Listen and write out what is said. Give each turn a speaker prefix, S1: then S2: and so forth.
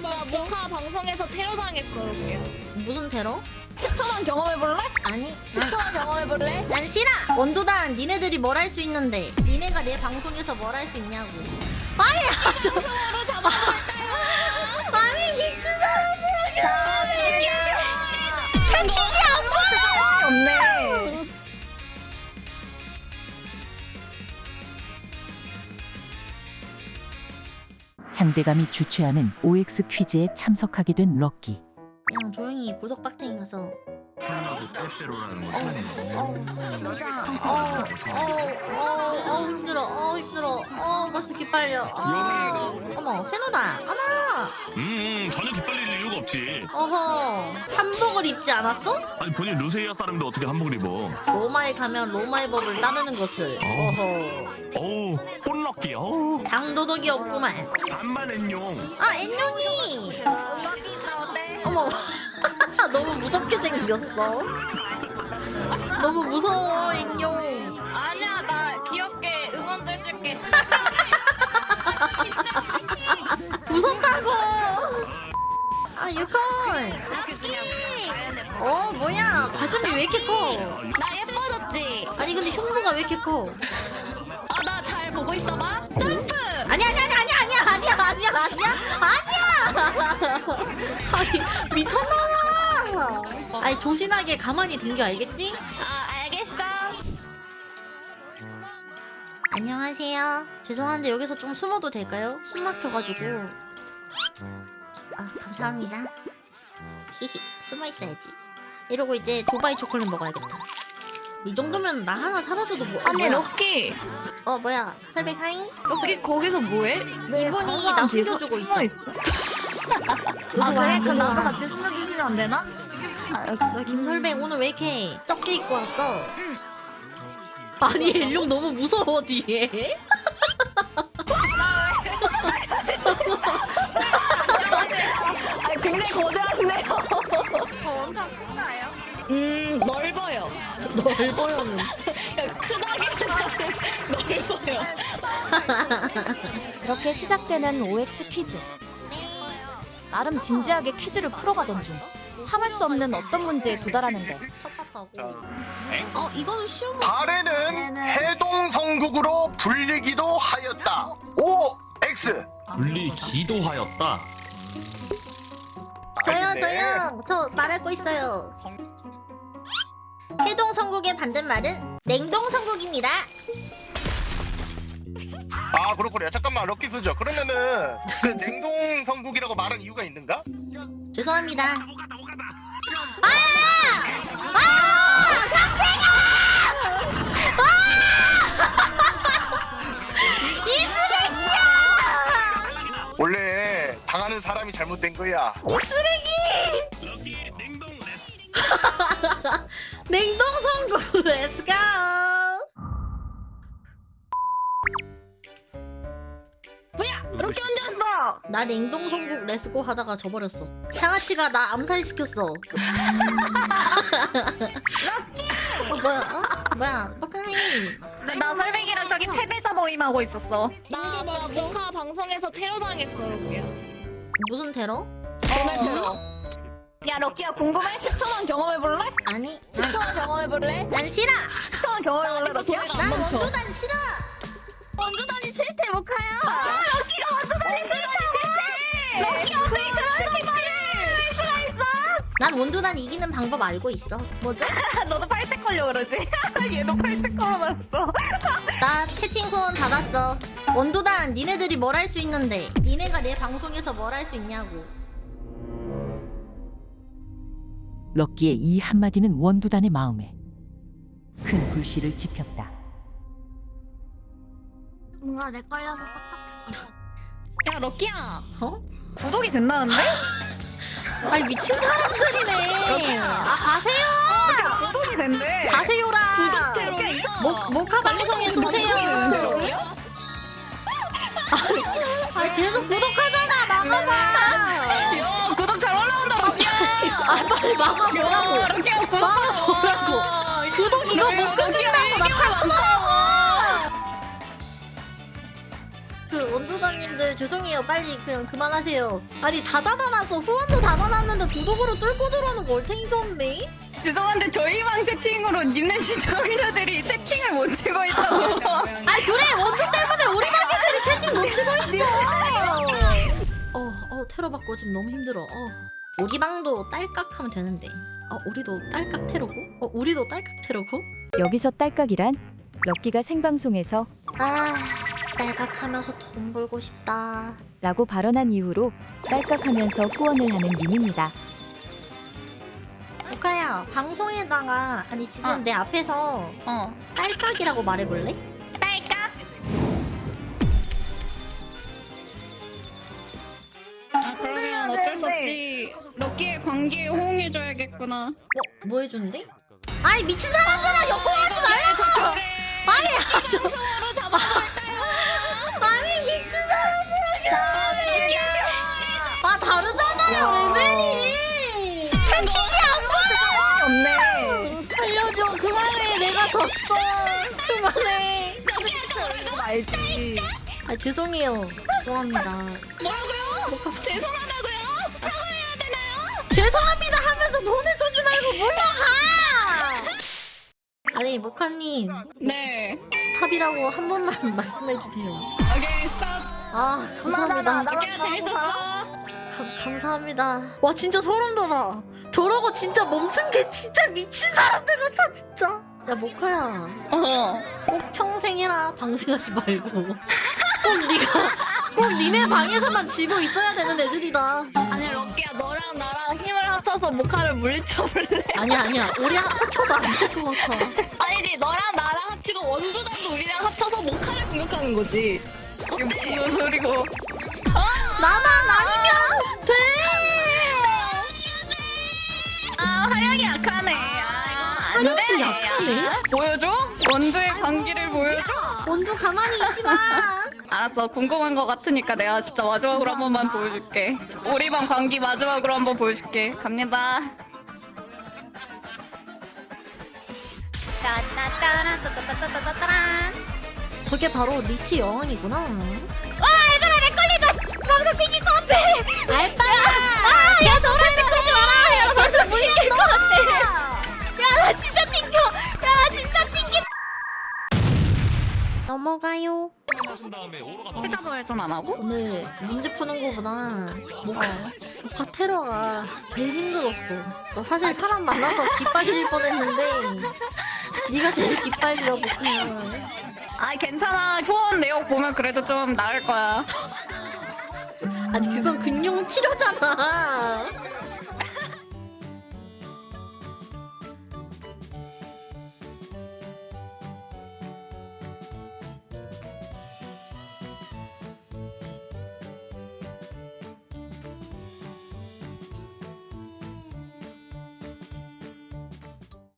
S1: 나 모카 방송에서 테러 당했어. 이렇게.
S2: 무슨 테러?
S1: 10초만 경험해볼래?
S2: 아니
S1: 10초만 경험해볼래?
S2: 난 싫어! 원도단 니네들이 뭘 할 수 있는데 니네가 내 방송에서 뭘 할 수 있냐고. 아니
S1: 방송으로 잡아볼까요?
S2: 아니 미친 사람들아 그만해. 채팅이 안 보여.
S1: 없네.
S3: 향대감이 주최하는 OX 퀴즈에 참석하게 된 럭키.
S2: 그냥 조용히 구석박탱이 가서
S4: 빼빼로라는 거지.
S2: 진짜 힘들어 힘들어 벌써 기빨려 어머 세노다 어머
S4: 전혀 기빨릴 이유가 없지.
S2: 어허 한복을 입지 않았어?
S4: 아니 본인 루세이아 사람인데 어떻게 한복을 입어?
S2: 로마에 가면 로마의 법을 따르는 것을 어허
S4: 어우 꼴럭기. 어우
S2: 상도덕이 없구만.
S4: 반만 엔용.
S2: 아 앤룡이 어머 너무 무섭게 생겼어. 너무 무서워 앤룡.
S1: 아니야, 나 귀엽게 응원도 해줄게.
S2: 무섭다고. 아 유콘. 뭐야 가슴이 왜 이렇게 커?
S1: 나 예뻐졌지?
S2: 아니 근데 흉부가 왜 이렇게 커?
S1: 아, 나 잘 보고 있어봐. 점프!
S2: 아니야 아니 미쳤나봐. 아니 조신하게 가만히 댕겨 알겠지?
S1: 아, 알겠어.
S2: 안녕하세요. 죄송한데 여기서 좀 숨어도 될까요? 숨 막혀가지고. 아 감사합니다. 히히 숨어 있어야지. 이러고 이제 두바이 초콜릿 먹어야겠다. 이 정도면 나 하나 사라져도 뭐?
S1: 아니,
S2: 뭐야?
S1: 럭키.
S2: 뭐야? 설백 하이?
S1: 럭키 거기서 뭐해?
S2: 이분이 나 숨겨주고 있어.
S1: 아, 그래? 그럼 나도
S2: 와.
S1: 같이 숨겨주시면 안 되나?
S2: 너 김설백 오늘 왜 이렇게 적게 입고 왔어? 아니 일룡 너무 무서워 뒤에.
S1: 아니, 굉장히 거대하시네요. 엄청 큰가요? 넓어요.
S2: 넓어요는.
S1: 크다기보다는 넓어요.
S5: 그렇게 시작되는 OX 퀴즈. 나름 진지하게 퀴즈를 풀어가던 중 참을 수 없는 어떤 문제에 도달하는데
S2: 첫 같다고.
S1: 이거는 쉬운
S6: 발에는 해동성국으로 불리기도 하였다. O X.
S4: 분리기도 하였다.
S2: 저요 저 말할 거 있어요. 해동성국의 반대말은 냉동성국입니다.
S6: 아 그렇구나. 잠깐만 럭키 수저. 그러면은 그 냉동성국이라고 말한 이유가 있는가?
S2: 죄송합니다. 이 쓰레기야!
S6: 원래 당하는 사람이 잘못된 거야.
S2: 이 쓰레기!
S4: 럭키 냉동
S2: 냉동성국 렛츠고!
S1: 뭐야? 럭키 언제 왔어?
S2: 나 냉동성국 렛츠고 하다가 져버렸어. 향아치가 나 암살시켰어. 뭐야? 뻑가이.
S1: 나 설백이랑 저기 패배자 모임하고 있었어.
S7: 나 모카 방송에서 테러 당했어. 이렇게.
S2: 무슨 테러?
S1: 오늘 들어. 야, 럭키야 궁금해? 10초만 경험해볼래?
S2: 아니
S1: 10초만 경험해볼래?
S2: 난 싫어.
S1: 10초만 경험해볼래, 럭키야?
S2: 난 원도단 싫어.
S1: 원두단이 싫대, 모카야. 럭키가 원두단이 싫대. 럭키 어떻게 그런 말을 할 수가 있어?
S2: 난 원도단 이기는 방법 알고 있어.
S1: 뭐죠? 너도 팔찌 걸려 그러지? 얘도 팔찌 걸어놨어.
S2: 나 채팅 후원 닫았어. 원도단 니네들이 뭘 할 수 있는데 니네가 내 방송에서 뭘 할 수 있냐고.
S3: 럭키의 이 한마디는 원두단의 마음에 큰 불씨를 지폈다.
S1: 뭔가 내 걸려서 빡빡했어.
S7: 야 럭키야.
S1: 구독이 된다는데?
S2: 아니 미친 사람들이네. 아 가세요.
S1: 구독이 된대.
S2: 가세요라. 모카 방송에 쏘세요. 아니 계속 구독하잖아. 막아봐.
S1: 야, 구독 잘 올라온다, 럭키야.
S2: 아 빨리 막아보라고.
S1: 럭키야, 구독.
S2: 막아보라고. 구독 이거 못 끊는다고 나 파츠더라고. 그 원조다님들 죄송해요. 빨리 그냥 그만하세요. 아니 다 닫아놨어. 후원도 닫아놨는데 도덕으로 뚫고 들어오는 거 올탱이가 없네.
S1: 죄송한데 저희방 채팅으로 님네 시청자들이 채팅을 못 치고 있다고.
S2: 아니 그래 원조 때문에 우리 가게들이 채팅 못 치고 있어. 테러 받고 지금 너무 힘들어. 우리 방도 딸깍하면 되는데. 우리도 딸깍 테러고? 우리도 딸깍 테러고?
S5: 여기서 딸깍이란 럭키가 생방송에서
S2: 딸깍하면서 돈 벌고 싶다.
S5: 라고 발언한 이후로 딸깍하면서 후원을 하는 밈입니다.
S2: 오카야 방송에다가 아니 지금 내 앞에서 딸깍이라고 말해볼래?
S1: 딸깍. 그러면 어쩔 수 없이 럭키의 관계에 호응해줘야겠구나.
S2: 뭐 해준대? 아니 미친 사람들아 역공하지 말라고! 아니
S1: 서로 잡아볼까요?
S2: 아니 미친 사람들아 그만해! 다르잖아요 레벨이! 채팅이 안 보여! 살려줘 그만해 내가 졌어 그만해
S1: 알지.
S2: 죄송해요 죄송합니다
S1: 뭐라고요? 죄송하다고요? 사과해야 되나요?
S2: 죄송합니다 하면서 돈을 쏘지 말고 물러가! 아니 모카님
S1: 네.
S2: 스탑이라고 한 번만 말씀해주세요.
S1: 오케이 스탑.
S2: 감사합니다.
S1: 럭키야 재밌었어.
S2: 감사합니다. 와 진짜 소름 돋아. 저러고 진짜 멈춘 게 진짜 미친 사람들 같아 진짜. 야 모카야 꼭 평생 해라 방생하지 말고. 꼭 니네 방에서만 지고 있어야 되는 애들이다.
S1: 아니 럭키야 너랑 나랑 힘을 합쳐서 모카를 물리쳐볼래?
S2: 아니야 우리 합쳐도 안 될 것 같아.
S1: 아니지 너랑 나랑 합치고 원두단도 우리랑 합쳐서 모카를 공격하는 거지. 이게 무슨 소리고?
S2: 나만 아니면 돼.
S1: 화력이 약하네.
S2: 화력이 약하네?
S1: 보여줘? 원두의 관계를 보여줘?
S2: 원두 가만히 있지 마.
S1: 알았어. 궁금한 거 같으니까 내가 진짜 마지막으로 한 번만 보여줄게. 우리 방 관계 마지막으로 한 번 보여줄게. 갑니다.
S2: 저게 바로 리치 여왕이구나.
S1: 얘들아 내 걸리다. 방송 튕길 것 같아.
S2: 알바야.
S1: 야 저런 거 하지 마라. 야 방송 튕길 것 같아. 야 나 진짜 튕겨. 야 나 진짜 튕겨.
S2: 넘어가요.
S4: 하신 다음에 오로 가서
S1: 회사 발전 안 하고?
S2: 오늘 문제 푸는 거보다 모카 테러가 제일 힘들었어. 너 사실 사람 만나서 기빨릴 뻔했는데 네가 제일 기빨려 모카야.
S1: 아 괜찮아. 후원 내역 보면 그래도 좀 나을 거야.
S2: 아니 그건 근용 치료잖아.